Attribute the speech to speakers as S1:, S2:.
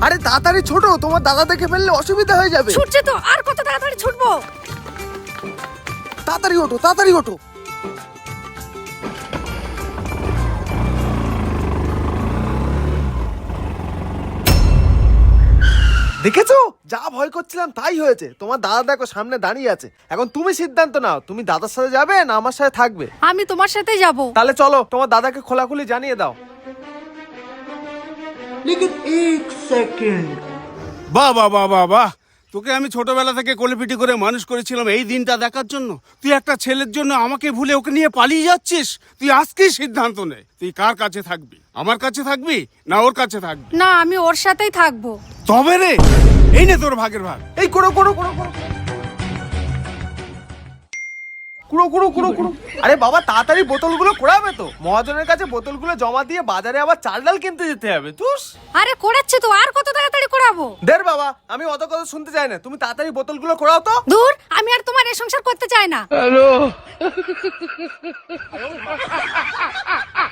S1: আরে তাড়াতাড়ি ছোটো, তোমার দাদা দেখে ফেললে অসুবিধা হয়ে যাবে।
S2: ছুটছে তো, আর কত তাড়াতাড়ি ছুটবো।
S1: তাড়াতাড়ি ওঠো, তাড়াতাড়ি ওঠো। দেখেছো, যা ভয় করছিলাম তাই হয়েছে। তোমার দাদা দেখো সামনে দাঁড়িয়ে আছে। এখন তুমি সিদ্ধান্ত নাও, তুমি দাদার সাথে যাবে না আমার সাথে থাকবে।
S2: আমি তোমার সাথেই যাব।
S1: তাহলে চলো, তোমার দাদাকে খোলাখুলি জানিয়ে দাও।
S3: लेकिन एक सेकंड।
S4: বাহ বাহ বাহ বাহ বাহ, তোকে আমি ছোটবেলা থেকে কোলেপিটি করে মানুষ করেছিলাম এই দিনটা দেখার জন্য। তুই একটা ছেলের জন্য আমাকে ভুলে ওকে নিয়ে পালিয়ে যাচ্ছিস। তুই আজকেই সিদ্ধান্ত নে, তুই কার কাছে থাকবি? আমার কাছে থাকবি না ওর কাছে থাকবি?
S2: না, আমি ওর সাথেই থাকবো।
S4: তবে রে, এই নে তোর ভাগের ভাগ।
S1: এই কুড়ো কুড়ো কুড়ো কুড়ো কুড়ো কুড়ো কুড়ো কুড়ো। আরে বাবা, তাড়াতাড়ি বোতলগুলো কোড়াবে তো। মহাজনের কাছে বোতলগুলো জমা দিয়ে বাজারে আবার চাল ডাল কিনতে যেতে হবে। তুস
S2: আরে করাচ্ছি তো, আর কত তাড়াতাড়ি করাবো।
S1: দের বাবা, আমি অত কথা শুনতে চাই না। তুমি তাড়াতাড়ি বোতলগুলো কোড়াও তো।
S2: দূর, আমি আর তোমার এই সংসার করতে চাই না।